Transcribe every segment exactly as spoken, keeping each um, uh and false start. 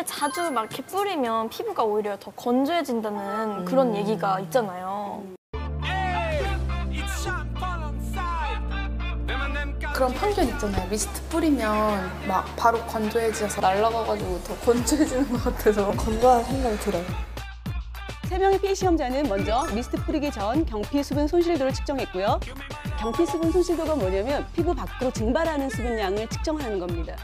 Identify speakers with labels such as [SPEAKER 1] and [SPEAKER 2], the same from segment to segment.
[SPEAKER 1] 미스트를 자주 막 이렇게 뿌리면 피부가 오히려 더 건조해진다는 음. 그런 얘기가 있잖아요.
[SPEAKER 2] 그런 편견 있잖아요. 미스트 뿌리면 막 바로 건조해져서 날아가가지고 더 건조해지는 것 같아서 건조한 생각이 들어요.
[SPEAKER 3] 세 명의 피이 시험자는 먼저 미스트 뿌리기 전 경피 수분 손실도를 측정했고요. 경피 수분 손실도가 뭐냐면 피부 밖으로 증발하는 수분량을 측정하는 겁니다.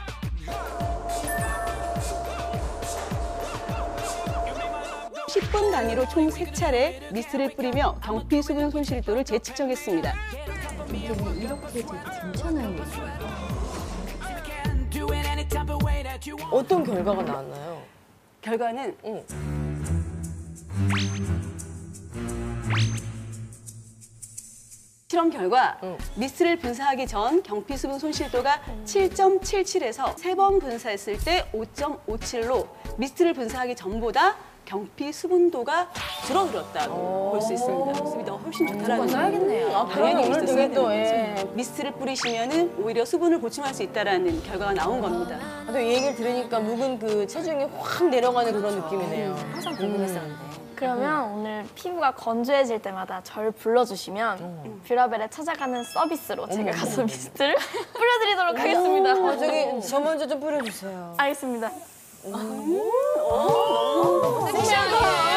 [SPEAKER 3] 십 분 단위로 총 세 차례 미스트를 뿌리며 경피 수분 손실도를 재측정했습니다.
[SPEAKER 4] 이렇게 되게 괜찮아요.
[SPEAKER 5] 어떤 결과가 나왔나요?
[SPEAKER 3] 결과는
[SPEAKER 5] 응.
[SPEAKER 3] 실험 결과
[SPEAKER 5] 응.
[SPEAKER 3] 미스트를 분사하기 전 경피 수분 손실도가 칠 점 칠칠에서 세 번 분사했을 때 오 점 오칠로 미스트를 분사하기 전보다 경피 수분도가 줄어들었다고 볼 수 있습니다. 수분도가 훨씬 좋다라는 거.
[SPEAKER 5] 써야겠네요. 아,
[SPEAKER 3] 당연히
[SPEAKER 5] 오늘
[SPEAKER 3] 미스트
[SPEAKER 5] 되게
[SPEAKER 3] 써야
[SPEAKER 5] 또,
[SPEAKER 3] 되는 거죠.
[SPEAKER 5] 예.
[SPEAKER 3] 미스트를 뿌리시면은 오히려 수분을 보충할 수 있다라는 결과가 나온 겁니다.
[SPEAKER 5] 아, 또 이 얘기를 들으니까 묵은 그 체중이 확 내려가는 그런 느낌이네요.
[SPEAKER 4] 항상 궁금했었는데.
[SPEAKER 1] 그러면 오늘 피부가 건조해질 때마다 절 불러주시면 뷰라벨에 찾아가는 서비스로 제가 가서 미스트를 뿌려드리도록 하겠습니다.
[SPEAKER 5] 아, 저기 저 먼저 좀 뿌려주세요.
[SPEAKER 1] 알겠습니다.
[SPEAKER 5] 오, 너무 섹시하다.